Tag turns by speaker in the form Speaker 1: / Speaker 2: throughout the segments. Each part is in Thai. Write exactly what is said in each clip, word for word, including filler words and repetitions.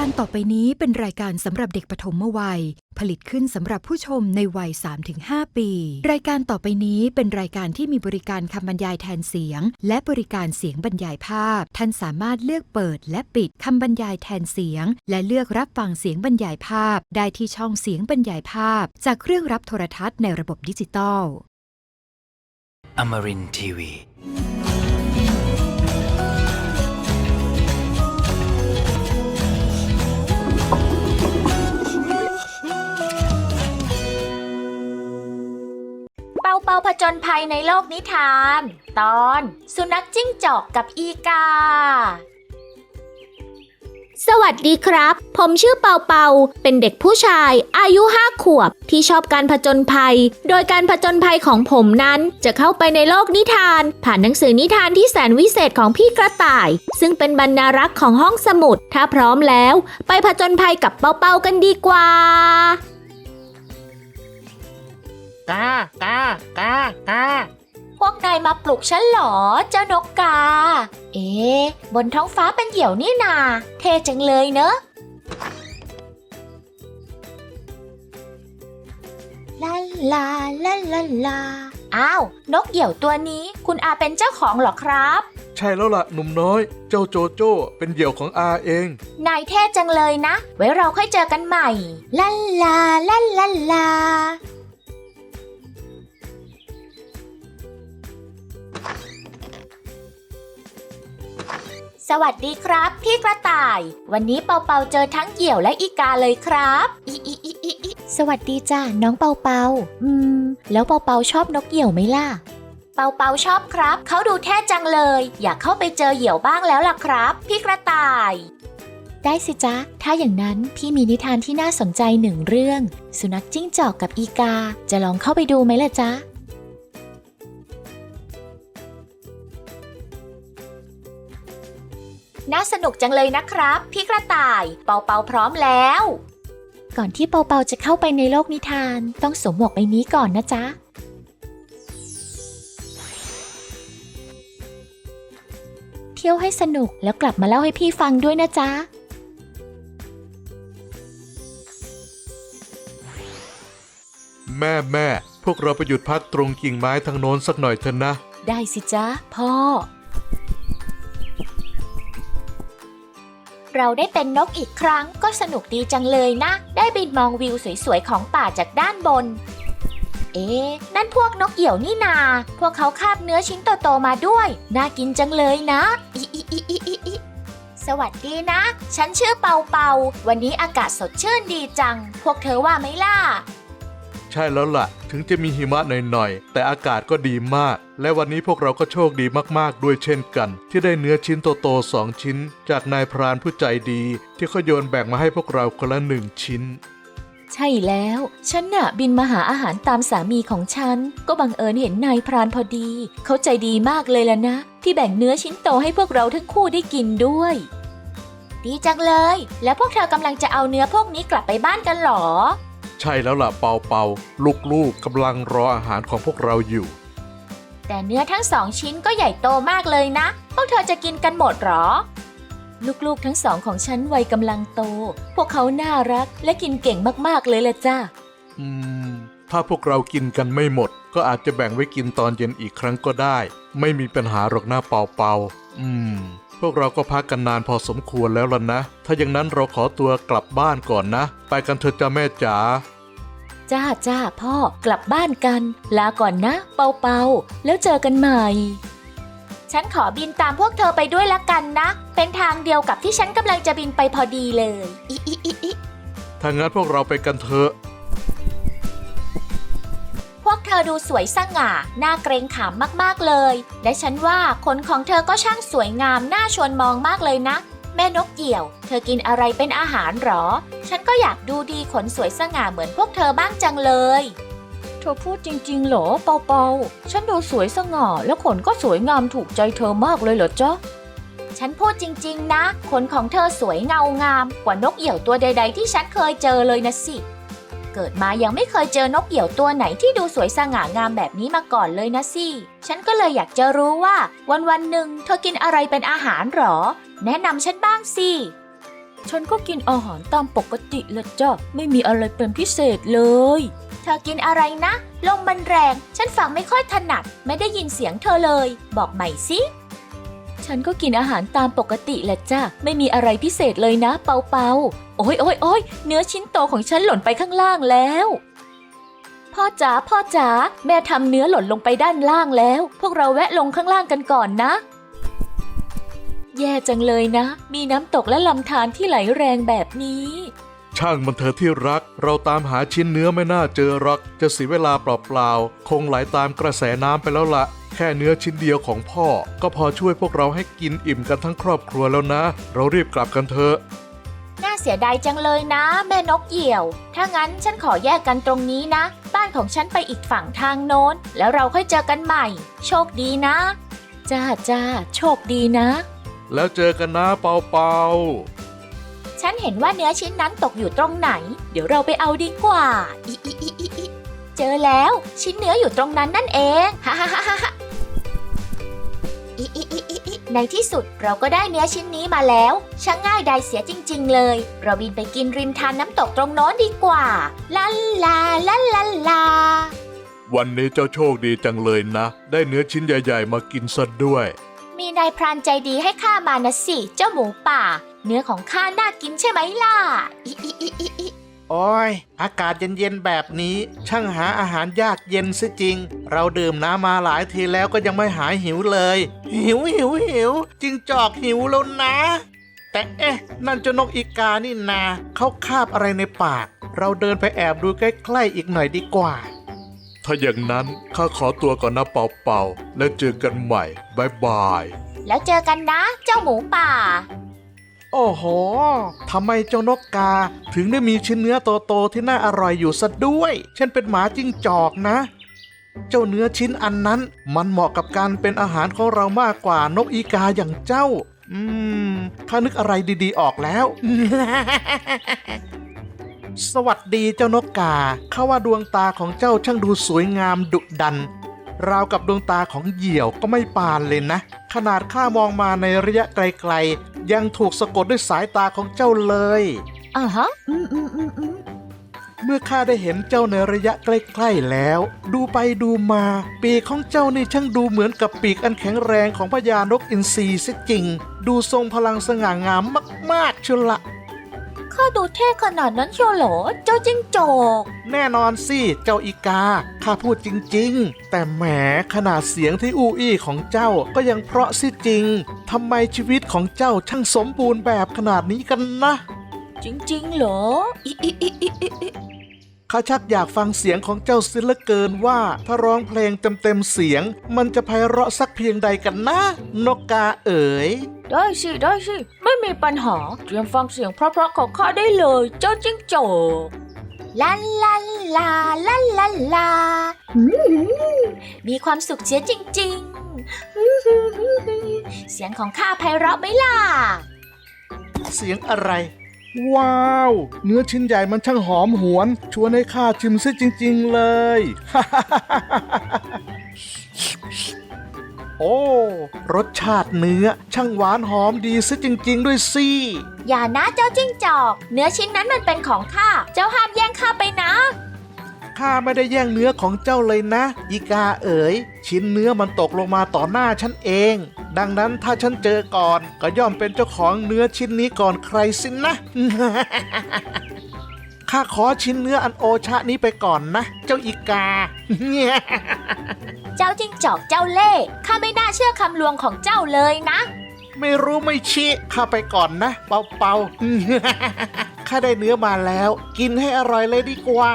Speaker 1: การต่อไปนี้เป็นรายการสำหรับเด็กปฐมวัยผลิตขึ้นสำหรับผู้ชมในวัย สามถึงห้า ปีรายการต่อไปนี้เป็นรายการที่มีบริการคำบรรยายแทนเสียงและบริการเสียงบรรยายภาพท่านสามารถเลือกเปิดและปิดคำบรรยายแทนเสียงและเลือกรับฟังเสียงบรรยายภาพได้ที่ช่องเสียงบรรยายภาพจากเครื่องรับโทรทัศน์ในระบบดิจิตอล
Speaker 2: Amarin ที วี
Speaker 3: เปาเปาผจญภัยในโลกนิทานตอนสุนัขจิ้งจอกกับอีกาสวัสดีครับผมชื่อเปาเปาเป็นเด็กผู้ชายอายุห้าขวบที่ชอบการผจญภัยโดยการผจญภัยของผมนั้นจะเข้าไปในโลกนิทานผ่านหนังสือนิทานที่แสนวิเศษของพี่กระต่ายซึ่งเป็นบรรณารักษ์ของห้องสมุดถ้าพร้อมแล้วไปผจญภัยกับเปาเปากันดีกว่ากากากากาพวกนายมาปลุกฉันเหรอเจ้านกกาเอ๊ะบนท้องฟ้าเป็นเหยี่ยวนี่นาเท่จังเลยเนอะลาลาลาลาลาอ้าวนกเหยี่ยวตัวนี้คุณอาเป็นเจ้าของเหรอครับ
Speaker 4: ใช่แล้วล่ะหนุ่มน้อยเจ้าโจโจ้เป็นเหยี่ยวของอาเอง
Speaker 3: นายเท่จังเลยนะไว้เราค่อยเจอกันใหม่ลาลาลาลาลาสวัสดีครับพี่กระต่ายวันนี้เปาเปาเจอทั้งเหยี่ยวและอีกาเลยครับอีอีอีอีอีสวัสดีจ้าน้องเปาเปาอืมแล้วเปาเปาชอบนกเหยี่ยวไหมล่ะเปาเปาชอบครับเขาดูแท้จังเลยอยากเข้าไปเจอเหยี่ยวบ้างแล้วล่ะครับพี่กระต่ายได้สิจ๊ะถ้าอย่างนั้นพี่มีนิทานที่น่าสนใจหนึ่งเรื่องสุนัขจิ้งจอกกับอีกาจะลองเข้าไปดูไหมล่ะจ๊ะน่าสนุกจังเลยนะครับพี่กระต่ายเปาเปาพร้อมแล้วก่อนที่เปาเปาจะเข้าไปในโลกนิทานต้องสวมหมวกใบนี้ก่อนนะจ๊ะเที่ยวให้สนุกแล้วกลับมาเล่าให้พี่ฟังด้วยนะจ๊ะ
Speaker 4: แม่แม่พวกเราไปหยุดพักตรงกิ่งไม้ทางโน้นสักหน่อยเถอะนะ
Speaker 3: ได้สิจ๊ะพ่อเราได้เป็นนกอีกครั้งก็สนุกดีจังเลยนะได้บินมองวิวสวยๆของป่าจากด้านบนเอ๊ะนั่นพวกนกเหยี่ยวนี่นาพวกเขาคาบเนื้อชิ้นโตๆมาด้วยน่ากินจังเลยนะอีอีอีอีอีอีสวัสดีนะฉันชื่อเปาเปาวันนี้อากาศสดชื่นดีจังพวกเธอว่าไหมล่ะ
Speaker 4: ใช่แล้วล่ะถึงจะมีหิมะหน่อยๆแต่อากาศก็ดีมากและวันนี้พวกเราก็โชคดีมากๆด้วยเช่นกันที่ได้เนื้อชิ้นโตๆสองชิ้นจากนายพรานผู้ใจดีที่เขาโยนแบ่งมาให้พวกเราคนละหนึ่งชิ้น
Speaker 3: ใช่แล้วฉันน่ะบินมาหาอาหารตามสามีของฉันก็บังเอิญเห็นนายพรานพอดีเขาใจดีมากเลยล่ะนะที่แบ่งเนื้อชิ้นโตให้พวกเราทั้งคู่ได้กินด้วยดีจังเลยแล้วพวกเธอกำลังจะเอาเนื้อพวกนี้กลับไปบ้านกันหรอ
Speaker 4: ใช่แล้วล่ะเปาเปาลูกๆกำลังรออาหารของพวกเราอยู่
Speaker 3: แต่เนื้อทั้งสองชิ้นก็ใหญ่โตมากเลยนะพวกเธอจะกินกันหมดหรอลูกๆทั้งสองของฉันวัยกำลังโตพวกเขาน่ารักและกินเก่งมากๆเลยล่ะจ้ะ
Speaker 4: อืมถ้าพวกเรากินกันไม่หมดก็อาจจะแบ่งไว้กินตอนเย็นอีกครั้งก็ได้ไม่มีปัญหาหรอกนะเปาเปาอืมพวกเราก็พักกันนานพอสมควรแล้วล่ะนะถ้าอย่างนั้นเราขอตัวกลับบ้านก่อนนะไปกันเถอะจ้าแม่จ๋า
Speaker 3: จ้าจ้าพ่อกลับบ้านกันลาก่อนนะเปาเปาแล้วเจอกันใหม่ฉันขอบินตามพวกเธอไปด้วยละกันนะเป็นทางเดียวกับที่ฉันกำลังจะบินไปพอดีเลยอิอิอิอิ
Speaker 4: ถ้างั้นพวกเราไปกันเถอะ
Speaker 3: พวกเธอดูสวยสง่าน่าเกรงขามมากๆเลยและฉันว่าขนของเธอก็ช่างสวยงามน่าชวนมองมากเลยนะแม่นกเหยี่ยวเธอกินอะไรเป็นอาหารหรอฉันก็อยากดูดีขนสวยสง่าเหมือนพวกเธอบ้างจังเลยเธอพูดจริงๆเหรอเปาเปาฉันดูสวยสง่าและขนก็สวยงามถูกใจเธอมากเลยเหรอจ๊ะฉันพูดจริงๆนะขนของเธอสวยเงางามกว่านกเหยี่ยวตัวใดๆที่ฉันเคยเจอเลยนะสิเกิดมายังไม่เคยเจอนกเหยี่ยวตัวไหนที่ดูสวยสง่างามแบบนี้มาก่อนเลยนะสิฉันก็เลยอยากจะรู้ว่าวันๆหนึ่งเธอกินอะไรเป็นอาหารหรอแนะนำฉันบ้างสิ
Speaker 5: ฉันก็กินอาหารตามปกติแหละจ้ะไม่มีอะไรเป็นพิเศษเลย
Speaker 3: เธอกินอะไรนะลมมันแรงฉันฟังไม่ค่อยถนัดไม่ได้ยินเสียงเธอเลยบอกใหม่สิ
Speaker 5: ฉันก็กินอาหารตามปกติแหละจ้ะไม่มีอะไรพิเศษเลยนะเปาเปาโอ้ยโอ้ยโอ้ยเนื้อชิ้นโตของฉันหล่นไปข้างล่างแล้วพ่อจ๋าพ่อจ๋าแม่ทำเนื้อหล่นลงไปด้านล่างแล้วพวกเราแวะลงข้างล่างกันก่อนนะแย่จังเลยนะมีน้ำตกและลำธารที่ไหลแรงแบบนี้
Speaker 4: ช่างมันเถอะที่รักเราตามหาชิ้นเนื้อไม่น่าเจอหรอกจะเสียเวลาเปล่าๆคงไหลตามกระแสน้ำไปแล้วละแค่เนื้อชิ้นเดียวของพ่อก็พอช่วยพวกเราให้กินอิ่มกันทั้งครอบครัวแล้วนะเรารีบกลับกันเถอะ
Speaker 3: น่าเสียดายจังเลยนะแม่นกเหยี่ยวถ้างั้นฉันขอแยกกันตรงนี้นะบ้านของฉันไปอีกฝั่งทางโน้นแล้วเราค่อยเจอกันใหม่โชคดีนะ
Speaker 5: จ้าจ้าโชคดีนะ
Speaker 4: แล้วเจอกันนะเปาเปา
Speaker 3: ฉันเห็นว่าเนื้อชิ้นนั้นตกอยู่ตรงไหนเดี๋ยวเราไปเอาดีกว่าอิอิอิอิอิเจอแล้วชิ้นเนื้ออยู่ตรงนั้นนั่นเองฮ่าฮ่าฮ่าฮ่าอิอิอิอิอิในที่สุดเราก็ได้เนื้อชิ้นนี้มาแล้วช่างง่ายดายเสียจริงๆเลยเราบินไปกินริมทานน้ำตกตรงโน้นดีกว่าลาลาลาลาลา
Speaker 4: วันนี้เจ้าโชคดีจังเลยนะได้เนื้อชิ้นใหญ่ๆมากินซะด้วย
Speaker 3: มีนายพรานใจดีให้ข้ามานะสิเจ้าหมูป่าเนื้อของข้าน่ากินใช่ไหมล่ะอิอิอิอิอิ
Speaker 6: โอ้ยอากาศเย็นๆแบบนี้ช่างหาอาหารยากเย็นซะจริงเราดื่มน้ำมาหลายทีแล้วก็ยังไม่หายหิวเลยหิวหิวหิวจิงจอกหิวแล้วนะแต่เอ๊ะนั่นเจ้านกอีกานี่นาเขาคาบอะไรในปากเราเดินไปแอบดูใกล้ๆอีกหน่อยดีกว่า
Speaker 4: ถ้าอย่างนั้นข้าขอตัวก่อนนะเปาเปาแล้วเจอกันใหม่บายบาย
Speaker 3: แล้วเจอกันนะเจ้าหมูป่า
Speaker 6: โอ้โหทำไมเจ้านกกาถึงได้มีชิ้นเนื้อโตๆที่น่าอร่อยอยู่ซะด้วยฉันเป็นหมาจิ้งจอกนะเจ้าเนื้อชิ้นอันนั้นมันเหมาะกับการเป็นอาหารของเรามากกว่านกอีกาอย่างเจ้าอืมข้านึกอะไรดีๆออกแล้ว สวัสดีเจ้านกกาข้าว่าดวงตาของเจ้าช่างดูสวยงามดุดันราวกับดวงตาของเหยี่ยวก็ไม่ปานเลยนะขนาดข้ามองมาในระยะไกลๆยังถูกสะกดด้วยสายตาของเจ้าเลย
Speaker 5: อ่าฮะอืมอืมอืมอืม
Speaker 6: เมื่อข้าได้เห็นเจ้าในระยะใกล้ๆแล้วดูไปดูมาปีกของเจ้านี่ช่างดูเหมือนกับปีกอันแข็งแรงของพญานกอินทรีเสียจริงดูทรงพลังสง่างามมากๆเชียวละ
Speaker 5: ข้าดูเท่ขนาดนั้นเชียวเหรอเจ้าจิ้งจอก
Speaker 6: แน่นอนสิเจ้าอีกาข้าพูดจริงๆแต่แหมขนาดเสียงที่อู้อี้ของเจ้าก็ยังเพราะสิจริงทำไมชีวิตของเจ้าช่างสมบูรณ์แบบขนาดนี้กันนะ
Speaker 5: จริงๆเหรออิอิอิอิอิ
Speaker 6: ข้าชักอยากฟังเสียงของเจ้าเสียเหลือเกินว่าถ้าร้องเพลงเต็มๆเสียงมันจะไพเราะสักเพียงใดกันนะนกกาเอ๋ย
Speaker 5: ได้สิได้สิไม่มีปัญหาเตรียมฟังเสียงเพราะๆของข้าได้เลยเจ้าจิ้งจอก
Speaker 3: ลาลาลาลาลาลามีความสุขเสียจริงๆเสียงของข้าไพเราะไหมล่ะ
Speaker 6: เสียงอะไรว้าวเนื้อชิ้นใหญ่มันช่างหอมหวนชวนให้ข้าชิมซิจริงๆเลย โอ้รสชาติเนื้อช่างหวานหอมดีซิจริงๆด้วยสิ
Speaker 3: อย่านะเจ้าจิ้งจอกเนื้อชิ้นนั้นมันเป็นของข้าเจ้าห้ามแย่งข้าไปนะ
Speaker 6: ข้าไม่ได้แย่งเนื้อของเจ้าเลยนะอีกาเอ๋ยชิ้นเนื้อมันตกลงมาต่อหน้าฉันเองดังนั้นถ้าฉันเจอก่อนก็ย่อมเป็นเจ้าของเนื้อชิ้นนี้ก่อนใครสินะ ข้าขอชิ้นเนื้ออันโอชะนี้ไปก่อนนะเจ้าอีกา
Speaker 3: เจ้าจิ้งจอกเจ้าเล่ห์ข้าไม่น่าเชื่อคำลวงของเจ้าเลยนะ
Speaker 6: ไม่รู้ไม่ชี้ข้าไปก่อนนะเปาเปา ข้าได้เนื้อมาแล้วกินให้อร่อยเลยดีกว่า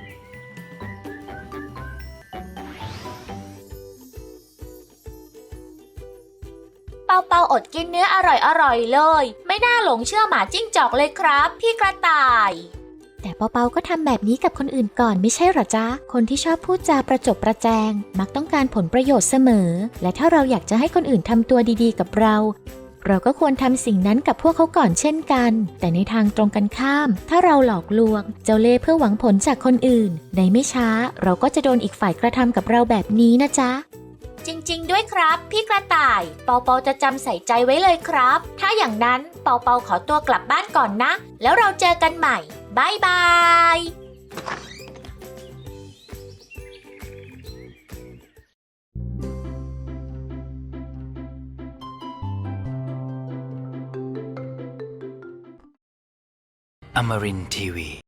Speaker 3: เปาเปาอดกินเนื้ออร่อยๆเลยไม่น่าหลงเชื่อหมาจิ้งจอกเลยครับพี่กระต่าย
Speaker 1: แต่เปาเปาก็ทำแบบนี้กับคนอื่นก่อนไม่ใช่หรอจ๊ะคนที่ชอบพูดจาประจบประแจงมักต้องการผลประโยชน์เสมอและถ้าเราอยากจะให้คนอื่นทำตัวดีๆกับเราเราก็ควรทำสิ่งนั้นกับพวกเขาก่อนเช่นกันแต่ในทางตรงกันข้ามถ้าเราหลอกลวงเจ้าเล่ห์เพื่อหวังผลจากคนอื่นในไม่ช้าเราก็จะโดนอีกฝ่ายกระทำกับเราแบบนี้นะจ๊ะ
Speaker 3: จริงๆด้วยครับ พี่กระต่าย เปาเปาจะจำใส่ใจไว้เลยครับ ถ้าอย่างนั้นเปาเปาขอตัวกลับบ้านก่อนนะ แล้วเราเจอกันใหม่บายบาย
Speaker 2: Amarin Tiwi.